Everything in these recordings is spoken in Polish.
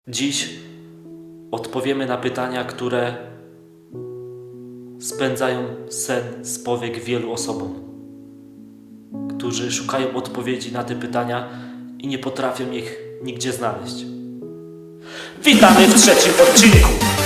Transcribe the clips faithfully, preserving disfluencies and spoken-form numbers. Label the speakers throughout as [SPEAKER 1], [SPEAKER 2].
[SPEAKER 1] Dziś odpowiemy na pytania, które spędzają sen z powiek wielu osobom, którzy szukają odpowiedzi na te pytania i nie potrafią ich nigdzie znaleźć. Witamy w trzecim odcinku!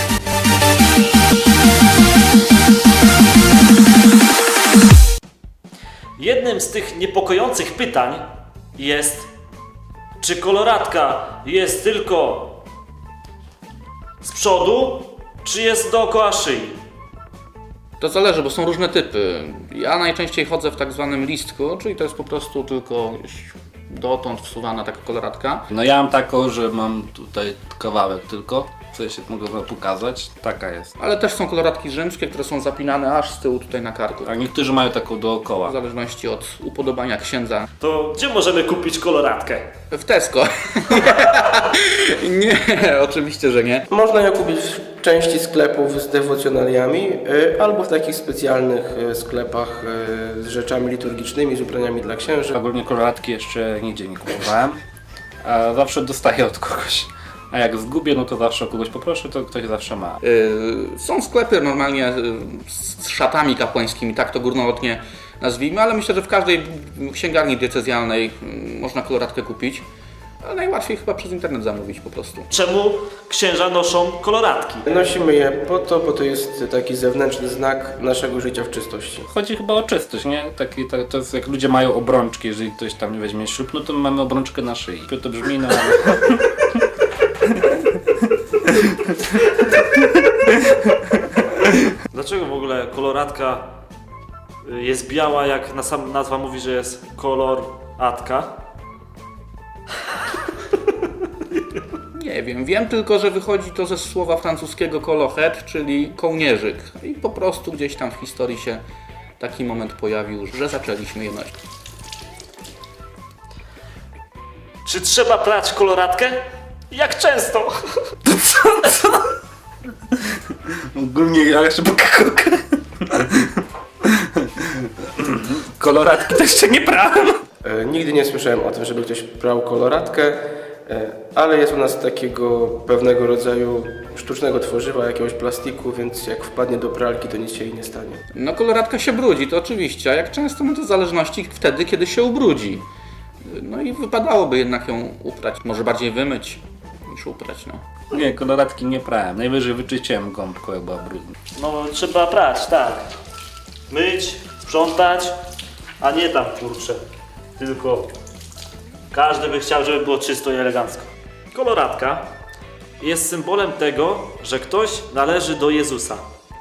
[SPEAKER 1] Jednym z tych niepokojących pytań jest, czy koloratka jest tylko z przodu, czy jest dookoła szyi?
[SPEAKER 2] To zależy, bo są różne typy. Ja najczęściej chodzę w tak zwanym listku, czyli to jest po prostu tylko dotąd wsuwana taka koloratka.
[SPEAKER 3] No ja mam taką, że mam tutaj kawałek tylko, co ja się mogę wam pokazać. Taka jest.
[SPEAKER 2] Ale też są koloratki rzymskie, które są zapinane aż z tyłu tutaj na karku.
[SPEAKER 3] A niektórzy mają taką
[SPEAKER 2] W
[SPEAKER 3] dookoła.
[SPEAKER 2] zależności od upodobania księdza.
[SPEAKER 1] To gdzie możemy kupić koloratkę?
[SPEAKER 2] W Tesco. Nie, oczywiście, że nie.
[SPEAKER 4] Można ją kupić w części sklepów z dewocjonaliami y, albo w takich specjalnych y, sklepach y, z rzeczami liturgicznymi, z ubraniami dla księży.
[SPEAKER 3] Ogólnie koloratki jeszcze nigdzie nie kupowałem, a zawsze dostaję od kogoś. A jak zgubię, no to zawsze o kogoś poproszę, to ktoś zawsze ma.
[SPEAKER 2] Yy, są sklepy normalnie yy, z szatami kapłańskimi, tak to górnolotnie nazwijmy, ale myślę, że w każdej księgarni diecezjalnej yy, można koloratkę kupić. Ale najłatwiej chyba przez internet zamówić po prostu.
[SPEAKER 1] Czemu księża noszą koloratki?
[SPEAKER 4] Nosimy je po to, bo to jest taki zewnętrzny znak naszego życia w czystości.
[SPEAKER 3] Chodzi chyba o czystość, nie? Taki, tak, to jest jak ludzie mają obrączki, jeżeli ktoś tam nie weźmie ślub, no to my mamy obrączkę na szyi. To brzmi, no ale...
[SPEAKER 1] Dlaczego w ogóle koloratka jest biała, jak na sam nazwa mówi, że jest koloratka?
[SPEAKER 2] Nie wiem, wiem tylko, że wychodzi to ze słowa francuskiego colohet, czyli kołnierzyk. I po prostu gdzieś tam w historii się taki moment pojawił, że zaczęliśmy je nosić.
[SPEAKER 1] Czy trzeba prać koloratkę? Jak często?
[SPEAKER 3] Ogólnie ja jeszcze pokakolkę. Koloratki to jeszcze nie brałem.
[SPEAKER 4] E, Nigdy nie słyszałem o tym, żeby ktoś brał koloratkę, e, ale jest u nas takiego pewnego rodzaju sztucznego tworzywa, jakiegoś plastiku, więc jak wpadnie do pralki, to nic się jej nie stanie.
[SPEAKER 2] No koloratka się brudzi, to oczywiście, a jak często, no to w zależności wtedy, kiedy się ubrudzi. No i wypadałoby jednak ją uprać, może bardziej wymyć niż uprać, no.
[SPEAKER 3] Nie, koloratki nie prałem. Najwyżej wyczyściłem gąbką, jak była brudna.
[SPEAKER 1] No trzeba prać, tak. Myć, sprzątać, a nie tam kurczę. Tylko każdy by chciał, żeby było czysto i elegancko. Koloratka jest symbolem tego, że ktoś należy do Jezusa.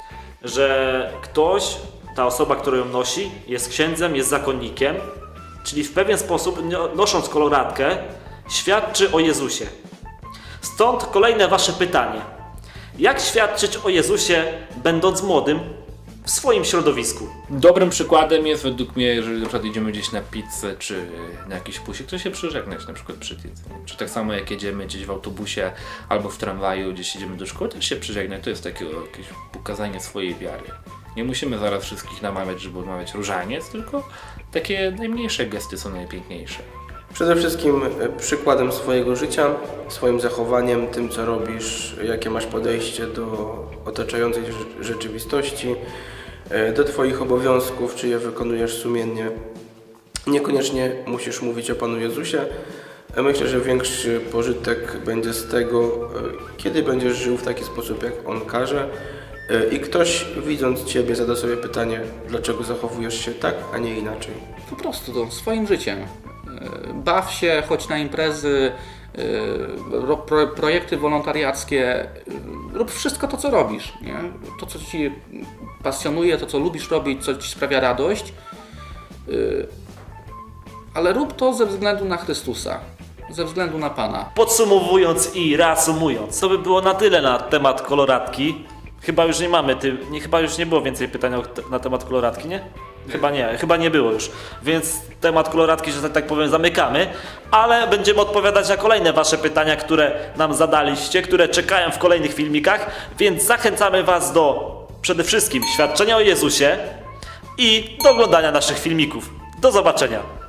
[SPEAKER 1] Że ktoś, ta osoba, która ją nosi, jest księdzem, jest zakonnikiem. Czyli w pewien sposób, nosząc koloratkę, świadczy o Jezusie. Stąd kolejne wasze pytanie. Jak świadczyć o Jezusie, będąc młodym w swoim środowisku?
[SPEAKER 3] Dobrym przykładem jest według mnie, jeżeli na przykład idziemy gdzieś na pizzę czy na jakiś pusik, to się przyżegnać na przykład przy jedzeniu. Czy tak samo jak jedziemy gdzieś w autobusie albo w tramwaju, gdzieś idziemy do szkoły, też się przyżegnać. To jest takie jakieś pokazanie swojej wiary. Nie musimy zaraz wszystkich namawiać, żeby odmawiać różaniec, tylko takie najmniejsze gesty są najpiękniejsze.
[SPEAKER 4] Przede wszystkim e, przykładem swojego życia, swoim zachowaniem, tym co robisz, jakie masz podejście do otaczającej rze- rzeczywistości, e, do Twoich obowiązków, czy je wykonujesz sumiennie. Niekoniecznie musisz mówić o Panu Jezusie. E, Myślę, że większy pożytek będzie z tego, e, kiedy będziesz żył w taki sposób, jak On każe. E, I ktoś, widząc Ciebie, zada sobie pytanie, dlaczego zachowujesz się tak, a nie inaczej.
[SPEAKER 2] Po prostu to swoim życiem. Yy, Baw się, chodź na imprezy, yy, ro- pro, projekty wolontariackie, yy, rób wszystko to, co robisz. Nie? To, co Ci pasjonuje, to, co lubisz robić, co Ci sprawia radość. Yy, Ale rób to ze względu na Chrystusa, ze względu na Pana.
[SPEAKER 1] Podsumowując i reasumując, to by było na tyle na temat koloratki. Chyba już nie mamy, ty, nie, chyba już nie było więcej pytań o, na temat koloratki, nie? Chyba nie, chyba nie było już. Więc temat koloratki, że tak powiem, zamykamy, ale będziemy odpowiadać na kolejne wasze pytania, które nam zadaliście, które czekają w kolejnych filmikach, więc zachęcamy was do przede wszystkim świadczenia o Jezusie i do oglądania naszych filmików. Do zobaczenia!